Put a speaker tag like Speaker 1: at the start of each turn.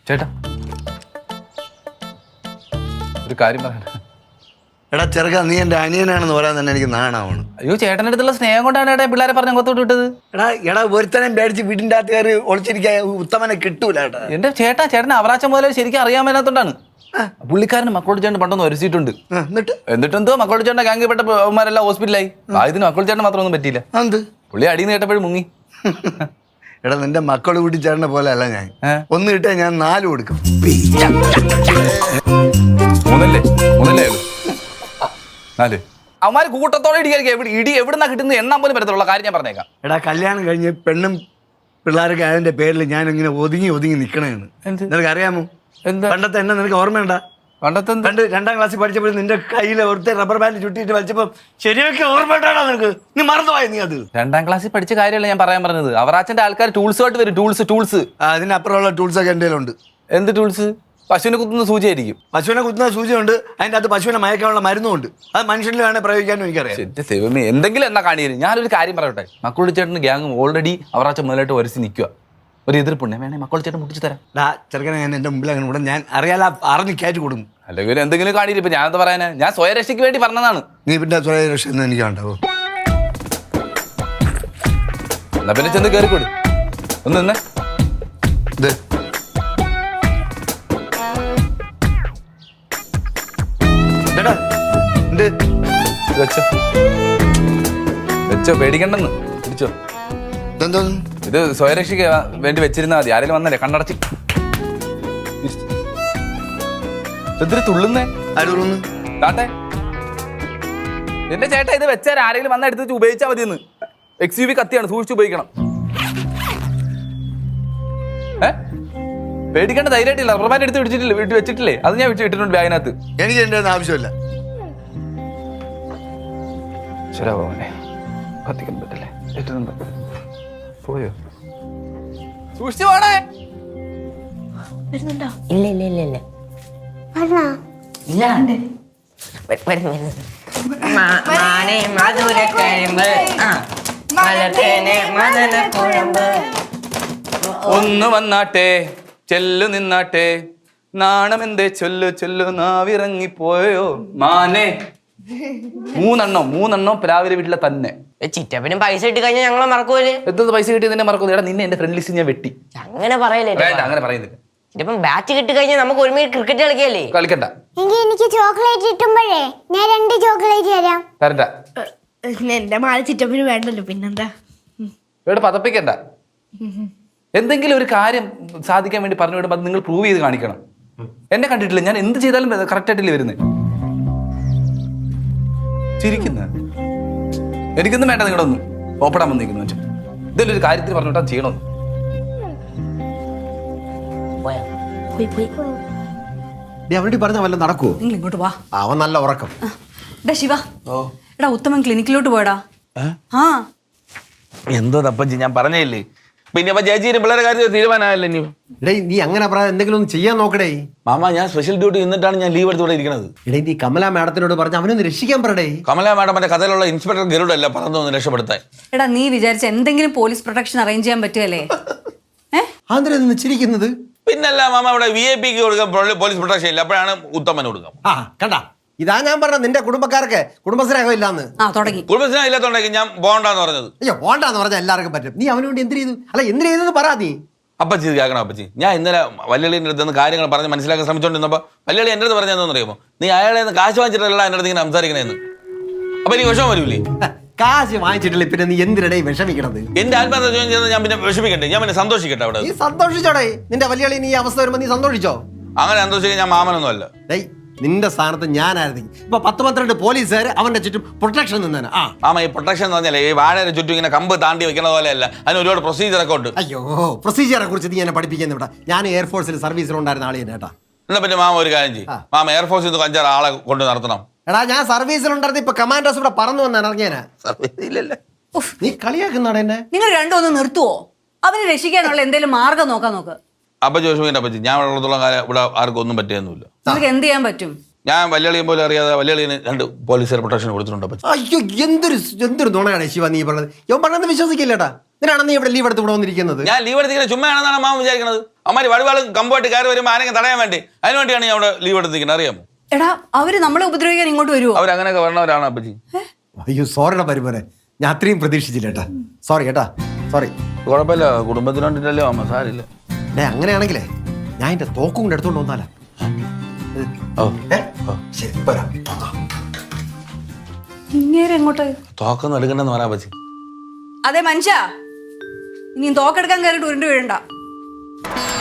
Speaker 1: ചേട്ടാ ഒരു കാര്യം പറയാൻ.
Speaker 2: എടാ ചെറുക്ക, നീ എൻ്റെ അനിയനാണെന്ന് പറയാൻ തന്നെ എനിക്ക് നാണാവണം.
Speaker 1: അയ്യോ ചേട്ടൻ്റെ അടുത്തുള്ള സ്നേഹം കൊണ്ടാണ് ഏട്ടാ പിള്ളേരെ പറഞ്ഞ് അങ്ങോട്ടോട്ട് വിട്ടത്.
Speaker 2: എടാ ഒരുത്തനം പേടിച്ച് വീടിൻ്റെ അകത്ത് കയറി ഒളിച്ചിരിക്കാൻ ഉത്തമനെ കിട്ടൂല ഏട്ടാ.
Speaker 1: എന്റെ ചേട്ടനെ അവറാച്ച മുതലേ ശരിക്കും അറിയാൻ മേലാത്തോണ്ടാണ്. പുള്ളിക്കാരന് മക്കളോട് ചേട്ടൻ പണ്ടൊന്ന് ഒരുച്ചിട്ടുണ്ട്. എന്നിട്ടെന്തോ മക്കളോട് ചേട്ടൻ്റെ ഗാംഗിൽ പെട്ട അവന്മാരെല്ലാം ഹോസ്പിറ്റലായി. ഇതിന് മക്കളോട് ചേട്ടൻ മാത്രം ഒന്നും പറ്റിയില്ല. പുള്ളി അടിയിൽ നിന്ന് കേട്ടപ്പോഴും മുങ്ങി.
Speaker 2: എടാ നിന്റെ മക്കൾ കൂട്ടി ചേട്ടനെ പോലെ അല്ല ഞാൻ. ഒന്ന് കിട്ടാ ഞാൻ 4 കൊടുക്കും.
Speaker 1: മൂന്നല്ലേ 4 അവന്മാര് കൂട്ടത്തോടെ ഇടിയായിരിക്കും. ഇടി എവിടുന്നാ കിട്ടുന്നത് എണ്ണാൻ പോലും പറ്റത്തുള്ള കാര്യം ഞാൻ പറഞ്ഞേക്കാം.
Speaker 2: എടാ കല്യാണം കഴിഞ്ഞ് പെണ്ണും പിള്ളേരൊക്കെ അതിന്റെ പേരിൽ ഞാൻ ഇങ്ങനെ ഒതുങ്ങി നിക്കണേന്ന് നിനക്ക് അറിയാമോ? പണ്ടത്തെ എന്നെ നിനക്ക് ഓർമ്മയുണ്ടാ? പണ്ട് 2ാം ക്ലാസ്സിൽ പഠിച്ചപ്പോൾ നിന്റെ കയ്യിൽ ഒരുത്തെ റബ്ബർ ബാൻഡ് ചുട്ടിട്ട് വലിച്ചപ്പോ ശരിയൊക്കെ ഓർമ്മയുണ്ടാടാ നിനക്ക്? നീ മറന്നുപോയ നീ അത്?
Speaker 1: 2ാം ക്ലാസ്സിൽ പഠിച്ച കാര്യമല്ല ഞാൻ പറയാൻ പറഞ്ഞത്. അവറാച്ചന്റെ ആൾക്കാർ ടൂൾസ് ആയിട്ട് വരും. ടൂൾസ്
Speaker 2: അതിനപ്പുറമുള്ള ടൂൾസ് ഒക്കെ എൻ്റെ ഉണ്ട്.
Speaker 1: എന്ത് ടൂൾസ്? പശുവിനെ കുത്തുന്ന സൂചിയായിരിക്കും.
Speaker 2: പശുവിനെ കുത്തുന്ന സൂചിയുണ്ട്, അതിൻ്റെ അകത്ത് പശുവിനെ മയക്കാനുള്ള മരുന്നുണ്ട്. അത് മനുഷ്യനിൽ വേണേൽ പ്രയോഗിക്കാനും എനിക്കറിയാം.
Speaker 1: എന്റെ ദൈവമേ, എന്തെങ്കിലും എന്നാ കാണിയത്. ഞാനൊരു കാര്യം പറയട്ടെ. മക്കളുടെ ചേട്ടന് ഗ്യാങ് ഓൾറെഡി അവറാച്ച മുതലായിട്ട് വരച്ച് നിൽക്കുക. ഒരു എതിർപ്പുണ്ടെ വേണേ മക്കളുടെ ചേട്ടൻ മുട്ടിച്ച് തരാം.
Speaker 2: ചെറുക്കനെ ഞാൻ എൻ്റെ മുമ്പിൽ അങ്ങനെ കൂടെ ഞാൻ അറിയാല അറിഞ്ഞ് കയറ്റി കൊടുക്കും.
Speaker 1: അല്ലെങ്കിൽ എന്തെങ്കിലും കാണിയില്ല. ഇപ്പൊ ഞാൻ എന്താ പറയാനാ, ഞാൻ സ്വയരക്ഷയ്ക്ക് വേണ്ടി പറഞ്ഞതാണ്.
Speaker 2: നീ പിന്നെ സ്വയരക്ഷ എന്ന് എനിക്ക് ഉണ്ടാവും.
Speaker 1: എന്നാ പിന്നെ ചെന്ന് കയറിക്കൂടി. ഒന്ന് നിന്നേ. വെച്ചോ പേടിക്കണ്ടെന്ന്. പിടിച്ചോ. ഇത് സ്വയരക്ഷയ്ക്ക് വേണ്ടി വെച്ചിരുന്നാ മതി. ആരെങ്കിലും വന്നല്ലേ കണ്ണടച്ച് തുള്ളുന്നേ താട്ടെ. എന്റെ ചേട്ടാ ഇത് വെച്ചാൽ ആരെങ്കിലും വന്ന എടുത്ത് ഉപയോഗിച്ചാൽ മതിയെന്ന്. XUV കത്തിയാണ്, സൂക്ഷിച്ച് ഉപയോഗിക്കണം. പേടിക്കേണ്ട ധൈര്യമായിട്ടില്ല. റബ്ബർ ബാൻഡ് എടുത്ത് പിടിച്ചിട്ടില്ല, വീട്ടിൽ വെച്ചിട്ടില്ലേ? അത് ഞാൻ ഇട്ടിട്ടുണ്ട് ബാഗിനകത്ത്.
Speaker 2: എനിക്ക് എന്റെ ആവശ്യമില്ല.
Speaker 1: ശരാവനെ കത്തിക്കാൻ പറ്റില്ലേ? ഏറ്റുന്നുണ്ട്. പോയോ? സൂക്ഷിച്ചു പോണേ.
Speaker 3: വരുന്നുണ്ടോ? ഇല്ല
Speaker 1: ഒന്ന് വന്നാട്ടെ ചെല്ലു നിന്നാട്ടെ, നാണമെന്തേ ചൊല്ലു നാവിറങ്ങിപ്പോയോ മാനെ. 3 രാവിലെ വീട്ടിലെ തന്നെ.
Speaker 3: ചിറ്റപ്പനും പൈസ കിട്ടി കഴിഞ്ഞാൽ ഞങ്ങളെ മറക്കൂല്.
Speaker 1: എത്ര പൈസ കിട്ടി നിന്നെ മറക്കുന്നു? എടാ നിന്നെ എന്റെ ഫ്രണ്ട് ലിസ്റ്റ് ഞാൻ വെട്ടി.
Speaker 3: അങ്ങനെ പറയല്ലേ?
Speaker 1: അങ്ങനെ പറയുന്നില്ല.
Speaker 3: ചിറ്റപ്പൻ ബാറ്റ് കിട്ടി കഴിഞ്ഞാൽ നമുക്ക് ഒരുമിച്ച് ക്രിക്കറ്റ് കളിക്കല്ലേ?
Speaker 1: കളിക്കണ്ട.
Speaker 4: എനിക്ക് ചോക്ലേറ്റ് കിട്ടുമ്പോഴേ ഞാൻ 2 ചോക്ലേറ്റ് തരാം.
Speaker 1: തരണ്ട.
Speaker 5: എന്റെ മാല ചിറ്റപ്പന് വേണ്ടല്ലോ, പിന്നെന്താ?
Speaker 1: ഇവിടെ പതപ്പിക്കണ്ട. എന്തെങ്കിലും ഒരു കാര്യം സാധിക്കാൻ വേണ്ടി പറഞ്ഞു വിടുമ്പോൾ അത് നിങ്ങൾ പ്രൂവ് ചെയ്ത് കാണിക്കണം. എന്നെ കണ്ടിട്ടില്ല, ഞാൻ എന്ത് ചെയ്താലും കറക്റ്റ് ആയിട്ടില്ലേ വരുന്നത്. ചിരിക്കുന്ന എനിക്കൊന്നും വേണ്ട. നിങ്ങളൊന്നും ഓപ്പടാൻ വന്നിരിക്കുന്നു വെച്ചാൽ ഇതെല്ലാം ഒരു കാര്യത്തിൽ പറഞ്ഞിട്ടാ ചെയ്യണമെന്ന്.
Speaker 6: അവനോട് പറഞ്ഞ വല്ല നടക്കുവോ?
Speaker 5: നിങ്ങൾ ഇങ്ങോട്ട് വാ.
Speaker 6: അവൻ നല്ല ഉറക്കം.
Speaker 5: ശിവ, എടാ ഉത്തമൻ ക്ലിനിക്കിലോട്ട് പോയടാ.
Speaker 7: എന്തോ തപ്പച്ചി, ഞാൻ പറഞ്ഞില്ലേ. പിന്നെ അപ്പൊ ചേച്ചി പിള്ളേരെ കാര്യത്തിൽ തീരുമാനമായല്ലോ. ഇനി
Speaker 6: നീ അങ്ങനെ പറയാൻ എന്തെങ്കിലും ഒന്ന് ചെയ്യാൻ നോക്കടേ.
Speaker 7: മാമ ഞാൻ സ്പെഷ്യൽ ഡ്യൂട്ടി നിന്നിട്ടാണ് ഞാൻ ലീവ് എടുത്തോടെ ഇരിക്കുന്നത്.
Speaker 6: നീ കമല മാഡത്തിനോട് പറഞ്ഞ അവനൊന്ന് രക്ഷിക്കാൻ പറയടേ.
Speaker 7: കമല മാഡം മറ്റേ കഥയിലുള്ള ഇൻസ്പെക്ടർ ഗരുഡല്ല പറഞ്ഞൊന്ന് രക്ഷപ്പെടുത്താൻ.
Speaker 5: എടാ നീ വിചാരിച്ച എന്തെങ്കിലും പോലീസ് പ്രൊട്ടക്ഷൻ അറേഞ്ച് ചെയ്യാൻ പറ്റുമല്ലേ?
Speaker 6: ആന്ധ്ര ചിരിക്കുന്നത്.
Speaker 7: പിന്നല്ല മാമ, ഇവിടെ VIP കൊടുക്കാം പോലീസ് പ്രൊട്ടക്ഷൻ ഇല്ല, അപ്പോഴാണ് ഉത്തമന് കൊടുക്കാം.
Speaker 6: കണ്ട, ഇതാ ഞാൻ പറഞ്ഞ നിന്റെ കുടുംബക്കാർക്ക് കുടുംബസ്നേഹം ഇല്ലാന്ന്.
Speaker 5: തുടങ്ങി.
Speaker 7: കുടുംബസ്നേഹം ഇല്ലാത്തോണ്ടെങ്കിൽ ഞാൻ പോകണ്ടെന്ന് പറഞ്ഞത്.
Speaker 6: അയ്യോ പോണ്ടാന്ന് പറഞ്ഞാൽ എല്ലാവർക്കും പറ്റും. നീ അവന് വേണ്ടി എന്ത് ചെയ്തു? അല്ല എന്ത് ചെയ്തെന്ന് പറ നീ.
Speaker 7: അപ്പച്ചി ഇത് കേൾക്കണം. അപ്പച്ചി ഞാൻ ഇന്നലെ വല്യളിയുടെ അടുത്ത് നിന്ന് കാര്യങ്ങൾ പറഞ്ഞ് മനസ്സിലാക്കാൻ ശ്രമിച്ചോണ്ടിരുന്നപ്പോൾ വല്യളി എൻ്റെ അടുത്ത് പറഞ്ഞതെന്ന് അറിയുമോ, നീ അയാളെ നിന്ന് കാശ് വാങ്ങിച്ചിട്ടല്ല എൻ്റെ അടുത്ത് ഇങ്ങനെ സംസാരിക്കണേന്ന്. അപ്പൊ എനിക്ക് വിഷമം വരൂലേ?
Speaker 6: കാശ് വാങ്ങിച്ചിട്ടില്ല പിന്നെ നീ എന്തിനടേ വിഷമിക്കണത്?
Speaker 7: എന്റെ ആത്മഹത്യ ജോയിൻ ചെയ്ത് ഞാൻ പിന്നെ വിഷമിക്കട്ടെ? ഞാൻ പിന്നെ സന്തോഷിക്കട്ടെ? അവിടെ
Speaker 6: നീ സന്തോഷിച്ചോടെ. നിന്റെ വല്യളി നീ അവസ്ഥ വരുമ്പോ നീ സന്തോഷിച്ചോ?
Speaker 7: അങ്ങനെ സന്തോഷിക്കാൻ ഞാൻ മാമനൊന്നും അല്ല.
Speaker 6: നിന്റെ സ്ഥാനത്ത് ഞാനായിരുന്നു ഇപ്പൊ 10-12 പോലീസുകാർ അവന്റെ ചുറ്റും പ്രൊട്ടക്ഷൻ നിന്നാണ്.
Speaker 7: മാമ ഈ പ്രൊട്ടക്ഷൻ എന്ന് പറഞ്ഞാൽ ഈ വാഴയുടെ ചുറ്റും ഇങ്ങനെ കമ്പ് താണ്ടി വെക്കണ പോലെയല്ല, അതിന് ഒരുപാട് പ്രൊസീജിയർ ഒക്കെ ഉണ്ട്.
Speaker 6: അയ്യോ, പ്രൊസീജിയറെ കുറിച്ച് നീ എന്നെ പഠിപ്പിക്കുന്ന ഇവിടെ. ഞാൻ എയർഫോഴ്സിൽ സർവീസിലുണ്ടായിരുന്ന ആളെ കേട്ടാ.
Speaker 7: എന്നാ പിന്നെ മാമ ഒരു കാര്യം ചെയ്യും, മാമ എയർഫോഴ്സിൽ നിന്ന് 5-6 ആളെ കൊണ്ട് നടത്തണം.
Speaker 6: എടാ ഞാൻ സർവീസിലുണ്ടായിരുന്ന ഇപ്പൊ കമാൻഡോസ് ഇവിടെ പറന്നു വന്നാണ് ഇറങ്ങിയാനാ. നീ കളിയാക്കുന്നാണ് എന്നെ.
Speaker 5: നിങ്ങൾ രണ്ടും ഒന്ന് നിർത്തുവോ? അവനെ രക്ഷിക്കാനുള്ള എന്തെങ്കിലും മാർഗം നോക്ക്.
Speaker 7: അപ്പൊ ചോദിച്ചു പറ്റി ഞാൻ ഉള്ളത്തോളം കാലം ഇവിടെ ആർക്കും ഒന്നും പറ്റിയൊന്നുമില്ല.
Speaker 5: നിങ്ങൾക്ക് എന്ത് ചെയ്യാൻ പറ്റും?
Speaker 7: ഞാൻ വല്യളിയും പോലെ അറിയാതെ വല്യളിന് 2 പോലീസുകാർ പ്രൊട്ടക്ഷൻ കൊടുത്തിട്ടുണ്ട്.
Speaker 6: അയ്യോ എന്തൊരു നുണയാണ് ശിവ നീ പറഞ്ഞത്. ഇവൻ പറഞ്ഞത് വിശ്വസിക്കില്ലട്ടാ. ഇതിനാണ് നീ ഇവിടെ ലീവ് എടുത്ത് ഇവിടെ വന്നിരിക്കുന്നത്?
Speaker 7: ഞാൻ ലീവ് എടുത്തിരിക്കുന്നത് ചുമ്മാ ആണെന്നാണ് മാമ വിചാരിക്കുന്നത്. അമ്മാര് വടിവാളും കമ്പോട്ട് കയറി വരുമ്പോൾ ആരെങ്കിലും തടയാൻ വേണ്ടി അതിന് വേണ്ടിയാണ് ഞാൻ അവിടെ ലീവ് എടുത്തിരിക്കുന്നത്, അറിയാമോ?
Speaker 5: എടാ അവര് നമ്മളെ ഉപദ്രവിക്കാൻ ഇങ്ങോട്ട് വരുമോ?
Speaker 7: അവരങ്ങനെയൊക്കെ വരണവരാണ് അപ്പച്ചി.
Speaker 6: അയ്യോ സോറിടാ പരിമോനെ, ഞാൻ അത്രയും പ്രതീക്ഷിച്ചില്ല കേട്ടാ. സോറി കേട്ടാ, സോറി.
Speaker 7: കുഴപ്പമില്ല, കുടുംബത്തിനുണ്ടല്ലോ അമ്മ, സാരില്ല.
Speaker 6: അങ്ങനെയാണെങ്കിലേ ഞാൻ എന്റെ തോക്കും കൊണ്ട് എടുത്തോണ്ട് വന്നാലാ.
Speaker 7: ഓ
Speaker 6: ശരി പോരാ.
Speaker 5: ഇങ്ങേരെ എങ്ങോട്ട്?
Speaker 7: തോക്കൊന്നും എടുക്കണ്ടെന്ന് പറയാ പച്ചി.
Speaker 5: അതെ മനുഷ്യ, ഇനി തോക്കെടുക്കാൻ കയറിയിട്ട് ഉരുണ്ട് വീഴണ്ട.